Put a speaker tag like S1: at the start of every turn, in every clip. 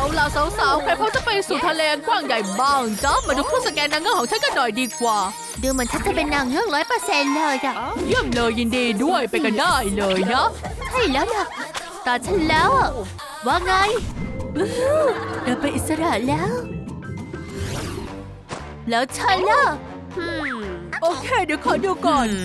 S1: เอาล่ะสาวๆใครพร้อมจะไปสู่ทะเลกว้างใหญ่บ้างจ๊ะมาดูเครื่องสแกนนางเงือกของฉันกันหน่อยดีกว่า
S2: ดูเหมือนฉันจะเป็นนางเงือก100%เลยอะ
S1: เยี่ยมเลยยินดีด้วยไปกันได้เลยนะ
S2: ใช่แล้วนะตาฉันแล้วอะว่าไงวู้ฮู้เราเป็นอิสระแล้วฉันล่ะ
S1: โอเคเดี๋ยวขอดูก่อน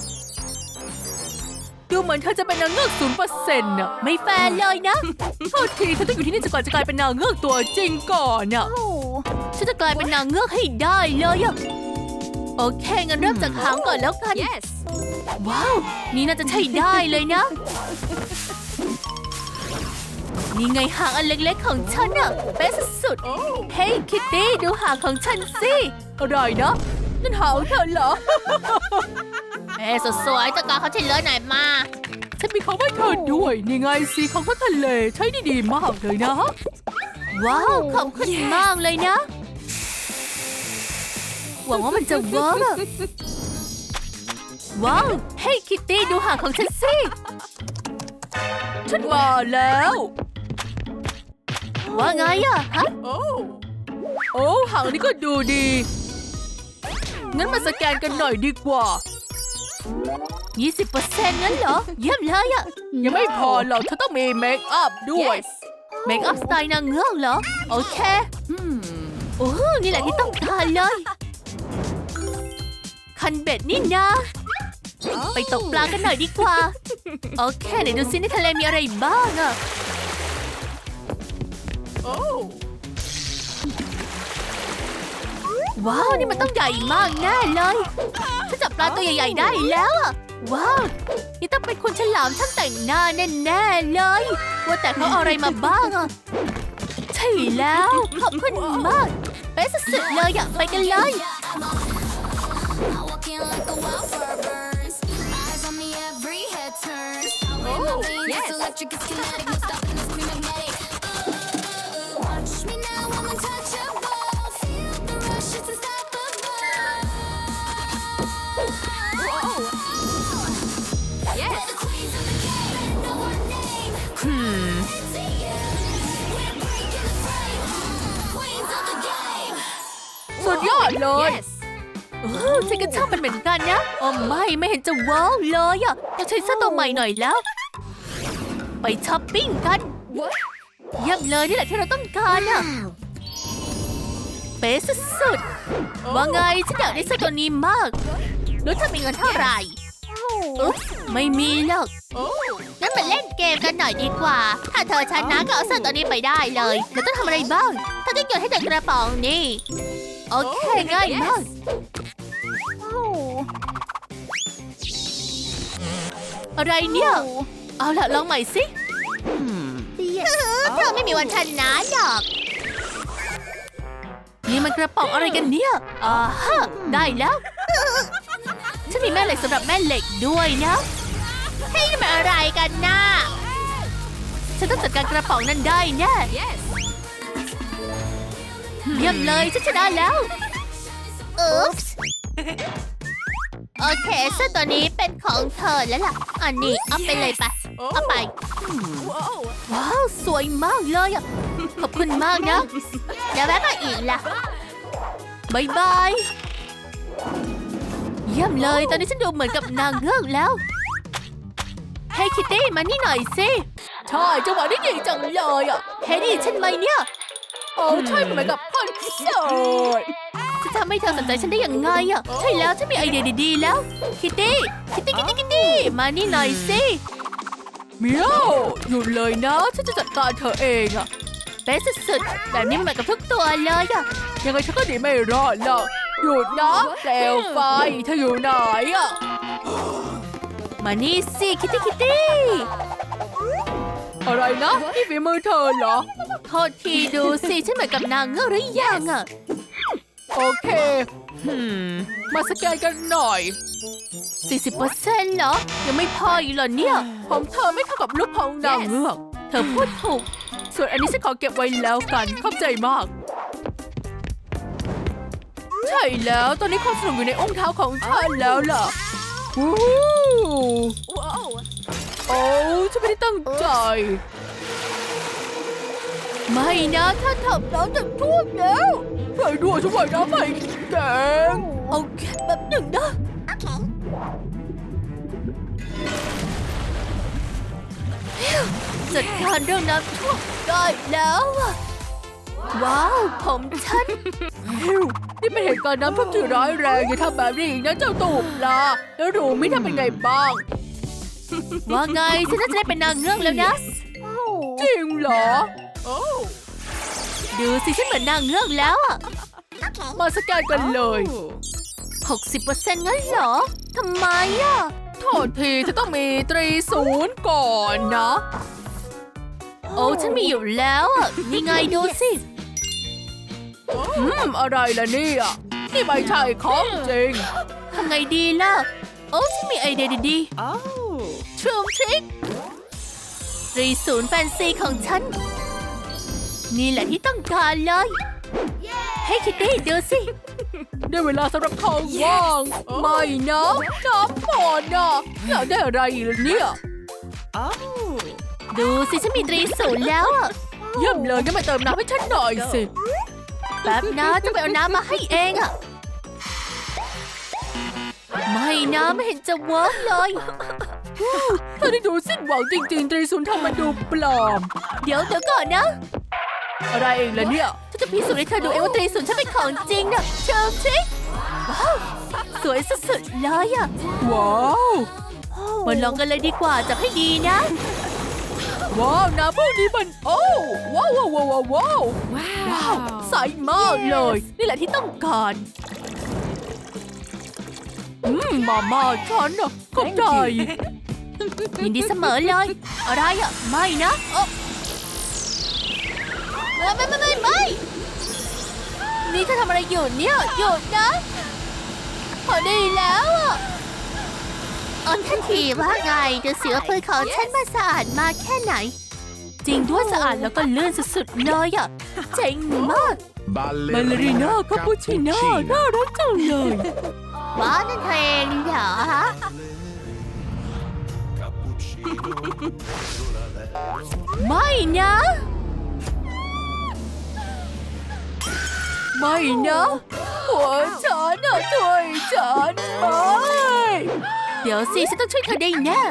S1: ดูเหมือนเธอจะเป็นนางเงือก0%น่ะ
S2: ไม่แฟร์เลยนะ
S1: โทษทีฉันต้องอยู่ที่นี่จนกว่าจะกลายเป็นนางเงือกตัวจริงก่อนน่ะ
S2: ฉันจะกลายเป็นนางเงือกให้ได้เลยอะโอเคงั้นเริ่มจากหางก่อนแล้วกัน ว้าว นี่น่าจะใช่ได้เลยนะ นี่ไงหางอันเล็กๆของฉันอะเป๊ะสุดๆเฮ้ยคิตตี้ดูหางของฉันสิ
S1: อะไรนะนั่นหางเธอเหรอ
S2: เอ้สดสวยตะกาเขาเฉลยหน่อยมา
S1: ฉันมีของให้เธอด้วยนี่ไงสีของทะเลใช้ได้ดีมากเลยนะ
S2: ว้าวขอบคุณมากเลยนะ หวังว่ามันจะเวิร์กอะว้าว เฮ้ยคิตตี้ดูหางของฉันสิ
S1: ฉันมาแล้ว
S2: ว่าไงอะฮะ
S1: โอ้หางนี้ก็ดูดีงั้นมาสแกนกันหน่อยดีกว่า
S2: 20%งั้นเหรอ เยี่ยมเลยอะ
S1: ยังไม่พอหรอกเธอต้องมีเมคอัพด้วย
S2: เมคอัพสไตล์นางเงือกเหรอ โอเคโอ้นี่แหละที่ต้องการเลย คันเบ็ดนี่นะ ไปตกปลากันหน่อยดีกว่า โอเคไหนดูซิในทะเลมีอะไรบ้างอะว้าวนี่มันต้องใหญ่มากแน่เลยฉันจับปลาตัวใหญ่ๆได้แล้วอะว้าวนี่ต้องเป็นคุณฉลามช่างแต่งหน้าแน่ๆเลยว่าแต่เขาเอาอะไรมาบ้างอะใช่แล้วขอบคุณมากเป๊ะสุดๆเลยอะไปกันเลย
S3: Walking like a wildfire burns. Eyes on me, every head turns. Power in my veins, it's electric, it's kinetic. No stopping this scream magnetic. Watch me now, I'm untouchable. Feel the rush, it's unstoppable. We're the queens of the game, know our name. Into you, we're breaking the frame. Queens of the game.
S1: สุดยอดเลย
S2: ฉันก็ชอบมันเหมือนกันนะโอ้ไม่เห็นจะว้าวเลยอ่ะต้องใช้เสื้อตัวใหม่หน่อยแล้ว ไปช้อปปิ้งกันเยี่ยมเลยนี่แหละที่เราต้องการอ่ะเป๊ะสุดๆว่าไงฉันอยากได้เสื้อตัวนี้มากรู้เธอมีเงินเท่าไหร่อุ๊บไม่มีหรอกงั้นมาเล่นเกมกันหน่อยดีกว่า ถ้าเธอชนะก็เอาเสื้อตัวนี้ไปได้เลยแล้วต้องทำอะไรบ้างถ้าต้องโยนให้จากกระป๋องนี่โอเคง่ายมากอะไรเนี่ย เอาล่ะลองใหม่สิเธอไม่มีวันชนะหรอกนี่มันกระป๋องอะไรกันเนี่ยฮะได้แล้วฉันมีแม่เหล็กสำหรับแม่เหล็กด้วยนะเฮ้ยนี่มันอะไรกันน่ะฉันต้องจัดการกระป๋องนั้นได้แน่เยี่ยมเลยฉันชนะแล้วอุ๊ปส์โอเคเสื้อตัวนี้เป็นของเธอแล้วล่ะอันนี้เอาไปเลยไปเอาไปว้าวสวยมากเลยอ่ะขอบคุณมากนะเดี๋ยวแวะมาอีกล่ะบายบายเยี่ยมเลยตอนนี้ฉันดูเหมือนกับนางเงือกแล้วเฮ้ยคิตตี้มานี่หน่อยสิ
S1: ใช่จังหวะนี้ดีจังเลยอ่ะ
S2: เฮ้ยได้ยินฉันไหมเนี่ย
S1: โอ้ใช่เหมือนกับคอนเสิร์ต
S2: จะทำให้เธอสนใจฉันได้ยังไงอ่ะใช่แล้วฉันมีไอเดียดีๆแล้วคิตตี้มานี่หน่อยสิ
S1: เมียวหยุดเลยนะฉันจะจัดการเธอเองอะ
S2: เป๊ะสุดๆแบบนี้เหมือนกับทุกตัวเลยอ่ะ
S1: ยังไงฉันก็หนีไม่รอดหรอกหยุดนะเปลวไฟเธออยู่ไหนอะ
S2: มานี่สิคิตตี้
S1: อะไรนะนี่ฝีมือเธอเหรอ
S2: โทษทีดูสิฉันเหมือนกับนางเงือกหรือยังอ่ะ
S1: โอเคมาสแกนกันหน่อย
S2: 40%เหรอยังไม่พออีกเหรอเนี่ย
S1: ของเธอไม่เท่ากับลูกของนางเงือก
S2: เธอพูดถูก
S1: ส่วนอันนี้ฉันขอเก็บไว้แล้วกันขอบใจมาก ใช่แล้วตอนนี้ความสนุกอยู่ในองค์เท้าของฉันแล้วล่ะวู้โอ้ฉันไม่ได้ตั้งใจ
S2: ไม่นะถ้าทำน้ำจะท่วมแล้ว
S1: ช่วยด้วยช่วยน้ำไม่แกง
S2: เอาแค่แบบหนึ่งนะจัดการเรื่องน้ำท่วมได้แล้วอะว้าวผมฉัน
S1: ฮิวนี่เป็นเหตุการณ์น้ำท่วมที่ร้ายแรงอย่าทำแบบนี้อีกนะเจ้าตูบปลาแล้วรูมิทำเป็นไงบ้าง
S2: ว่าไงฉันน่าจะได้เป็นนางเงือกแล้วนะ
S1: จริงเหรอ
S2: ดูสิฉันเหมือนนางเงือกแล้วอะ
S1: มาสแกนกันเลย
S2: 60%งั้นเหรอทำไมอะ
S1: โทษทีจะต้องมีตรีศูนย์ก่อนนะ
S2: โอ้ฉันมีอยู่แล้วอะนี่ไงดูสิ
S1: อะไรล่ะเนี่ยนี่ไม่ใช่ของจริง
S2: ทำไงดีล่ะ โอ้ฉันมีไอเดียดีๆทรูมทริค30แฟนซีของฉัน นี่แหละที่ต้องการเลย ให้คิตตี้ดูสิ
S1: ได้เวลาสำหรับทองว่าง ไม่นะน้ำก่อนนะอยากได้อะไรอีกล่ะเนี่ย
S2: ดูสิฉันมี30แล้วอะ
S1: เยี่ยมเลยงั้นมาเติมน้ำให้ฉันหน่อยสิ
S2: แป๊บนะจะไปเอาน้ำมาให้เองอะไม่นะไม่เห็นจะเวิร์กเลย
S1: เธอได้ดูสิ้นหวังจริงๆตรีศูนย์ทำมันดูปลอม
S2: เดี๋ยวก่อนนะ
S1: อะไรเองล่ะเนี่ย
S2: ฉันจะพิสูจน์ให้เธอดูเองว่า30ฉันเป็นของจริงนะทรูมทริคว้าวสวยสุดๆเลยอะ
S1: ว้าว
S2: มาลองกันเลยดีกว่าจับให้ดีนะ
S1: ว้าวน้ำพวกนี้มันโอ้ว้าวว้าวว้าวว้าวว้าวใสมากเลย นี่แหละที่ต้องการมาม่าฉันน่ะขอบใจ
S2: ยินดีเสมอเลย อะไรอ่ะ ไม่นะไม่นี่เธอทำอะไรอยู่เนี่ยหยุดนะพอดีแล้วอ่ะอันทันทีว่าไงดูสิว่าปืนของฉันมาสะอาดมากแค่ไหน จริงด้วยสะอาดแล้วก็ลื่นสุดๆเลยอ่ะเจ๋งมาก
S1: บัลเลริน่าคาปูชิน่าน่ารักจังเลย
S2: ว้านั่นเองเหรอฮะไม่นะ
S1: ไม่นะหัวฉันน่ะช่วยฉันไม่
S2: เดี๋ยวสิฉันต้องช่วยเธอได้แน่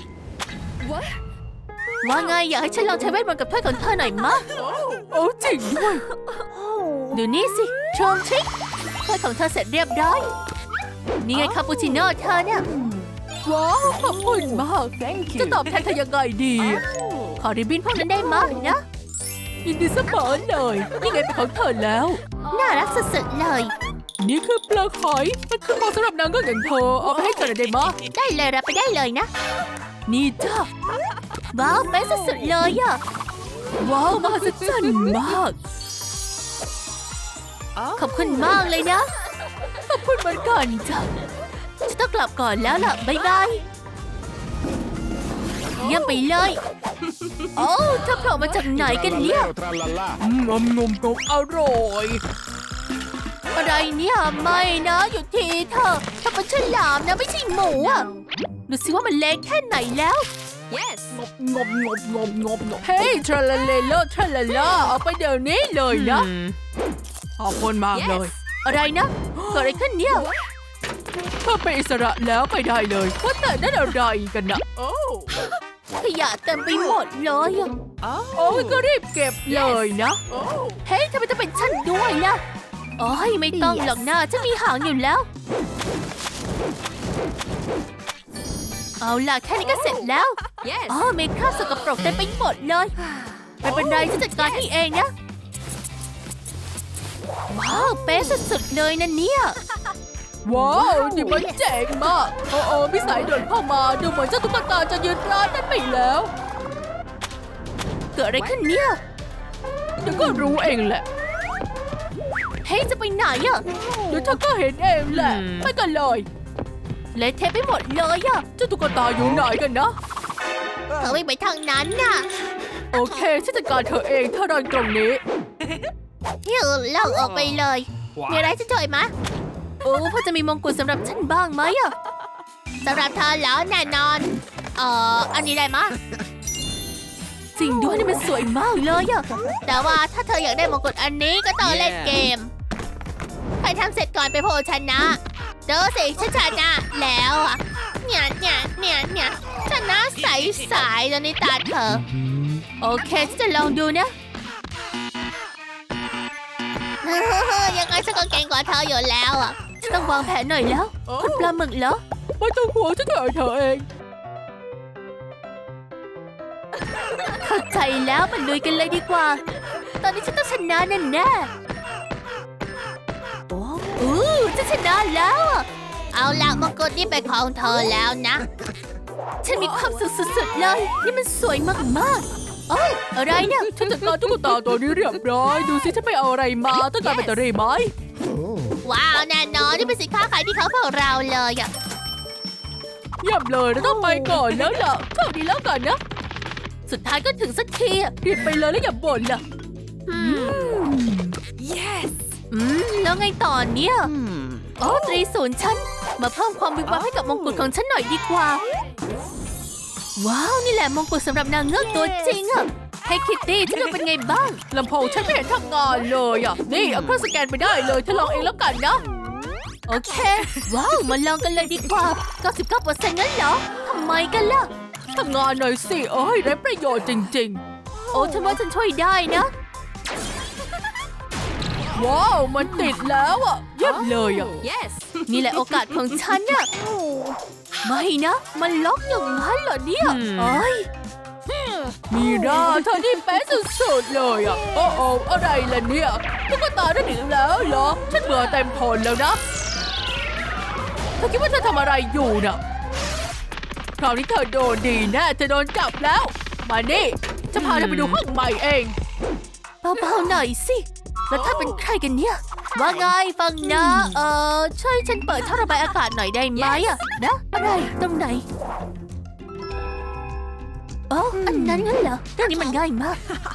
S2: ว่าไงอยากให้ฉันลองใช้เวทมนต์กับเพื่อนของเธอหน่อยมะ
S1: โอ้จริงด้วย
S2: ดูนี่สิทรูมทริคเพื่อนของเธอเสร็จเรียบร้อยนี่ไงคาปูชิโน่เธอเนี่ย
S1: ว้าวขอบคุณมากจะตอบแทนเธอยังไงดี
S2: ขอริบบิ้นพวกนั้นได้มากนะ
S1: ยินดีเสมอเลยนี่ไงเป็นของเธอแล้ว
S2: น่ารักสุดๆเลย
S1: นี่คือปลาหอยมันคือของสำหรับนางก็อย่างเธอเอาไปให้เธอหน่อยได้ไหมะ
S2: ได้เลยรับไปได้เลยนะ
S1: นี่จ้า
S2: ว้าวเป็นสุดๆเลยอ่ะ
S1: ว้าวมหัศจรรย์มาก
S2: ขอบคุณมากเลยนะ
S1: ขอบคุณเหมือนกันจ้ะ
S2: ฉันต้องกลับก่อนแล้วล่ะบ๊ายบายเยี่ยมไปเลย โอ้เธอโผล่มาจากไหนกันเนี่ย
S1: งมงมงมอร่อย
S2: อะไรเนี่ยไม่นะหยุดทีเถอะถ้าเป็นฉลามนะไม่ใช่หมูอ่ะดูสิว่ามันเล็กแค่ไหนแล้ว
S1: งมงมงมงมงมเฮ้ยทราลาเลโลทราลาลาเอาไปเดี๋ยวนี้เลยนะขอบคุณมากเลย
S2: อะไรนะเกิดอะไรขึ้นเนี่ย
S1: เธอเป็นอิสระแล้วไปได้เลยว่าแต่นั่นอะไรกันนะโอ้
S2: ขยะเต็มไปหมดเลยอะ
S1: โอ้ยก็รีบเก็บเลยนะ
S2: เฮ้ยทำไมต้องเป็นฉันด้วยล่ะโอ้ยไม่ต้องหรอกนะฉันมีหางอยู่แล้ว เอาล่ะแค่นี้ก็เสร็จแล้วอ๋อเมคอัพสกปรกเต็มไปหมดเลยไม่เป็นไรฉันจัดการให้เองนะว้าวเป๊ะสุดๆเลยนะเนี่ย
S1: ว้าวนี่มันเจ๋งมากโอ้พี่สายเดินเข้ามาดูเหมือนเจ้าตุ๊กตาจะยืนร้านนั้นไปแล้ว
S2: เกิดอะไรขึ้นเนี่ย
S1: เดี๋ยวก็รู้เองแหละ
S2: เฮ้ยจะไปไหนอะ
S1: เดี๋ยวเธอก็เห็นเองแหละไปกันเลย
S2: เละเทะไปหมดเลยอะ
S1: เจ้าตุ๊กตาอยู่ไหนกันนะ
S2: เธอไม่ไปทางนั้นน่ะ
S1: โอเคฉันจัดการเธอเองถ้ารอนตรงนี้
S2: ฮิวเล่าออกไปเลยมีอะไรจะจ่อยมะโอ้พอจะมีมงกุฎสำหรับฉันบ้างไหมอะสำหรับเธอแล้วแน่นอนอันนี้ได้มะจริงด้วยนี่มันสวยมากเลยอะแต่ว่าถ้าเธออยากได้มงกุฎอันนี้ก็ต้องเล่นเกม ใครทำเสร็จก่อนไปโพชนะเจอสิฉันชนะแล้วอะเนี่ยชนะใสๆตอนนี้ตาเธอ โอเคฉันจะลองดูนะ ยังไงฉันก็เก่งกว่าเธออยู่แล้วอะฉันต้องวางแผนหน่อยแล้วคุณปลาหมึกเหรอ
S1: ไม่ต้องห่วงฉันถ่ายเธอเอง
S2: เข้าใจแล้วมันลุยกันเลยดีกว่า ตอนนี้ฉันต้องชนะแน่ๆโอ้จะชนะแล้วอะเอาละมงกุฎนี่เป็นของเธอแล้วนะ ฉันมีความสุขสุดๆเลย นี่มันสวยมากๆโอ้อะไรเนี่ย
S1: ฉันจัดการตุ๊กตาตัวนี้เรียบร้อย ดูสิฉันไปเอาอะไรมาต้องการแบตเตอรี่ไหม
S2: ว้าวแน่นอนนี่เป็นสินค้าขายที่เขาพวกเราเลยอะ
S1: เยี่ยมเลยเราต้องไปก่อนแล้วล่ะโชคดีแล้วกันนะ
S2: สุดท้ายก็ถึงสักทีอะ
S1: รีบไปเลยแล้วอย่าบ่นล่ะ
S2: แล้วไงต่อเนี่ยโอ้ตรีศูนย์ฉันมาเพิ่มความวิบวับให้กับมงกุฎของฉันหน่อยดีกว่า ว้าวนี่แหละมงกุฎสำหรับนางเงือกตัวจริงอะให้คิตตี้ฉันดูเป็นไงบ้าง
S1: ลำโพงฉันไม่เห็นทำงานเลยอ่ะ นี่เอาเครื่องสแกนไปได้เลยเธอลองเองแล้วกันนะ
S2: โอเค ว้าวมาลองกันเลยดีกว่า 99% งั้นเหรอทำไมกันล่ะ
S1: ทำงานหน่อยสิเอ้ยไร้ประโยชน์จริง
S2: โอ้ฉันว่าฉันช่วยได้นะ
S1: ๆ ว้าวมันติดแล้วอ่ะเยี่ยมเลยอ่ะ
S2: นี่แหละโอกาสของฉันน่ะไม่นะ มันล็อกอย่างนั้นเหรอเนี่ยเอ้ย
S1: มีหน้าเธอที่เป๊ะสุดๆเลยอ่ะโอ้โออะไรล่ะเนี่ยตุ๊กตาได้หนีแล้วเหรอฉันเบื่อเต็มทนแล้วนะเธอคิดว่าเธอทำอะไรอยู่น่ะคราวนี้เธอโดนดีแน่เธอโดนจับแล้วมานี่จะพาเธอไปดูห้องใหม่เอง
S2: เบาๆหน่อยสิ แล้วถ้าเป็นใครกันเนี่ย ว่าไงฟังนะ ช่วยฉันเปิดท่อระบายอากาศหน่อยได้ไหมอะนะ อะไร ตรงไหนอ๋ออันนั้นงั้นเหรอเรื่องนี้มันง่ายมาก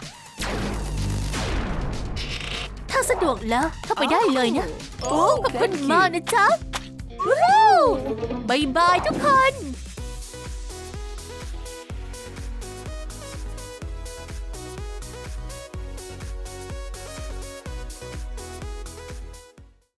S2: ถ้าสะดวกแล้วเข้าไปได้เลยนะ โอ้ขอบคุณมากนะจ๊ะ วู้ฮู้บายบายทุกคน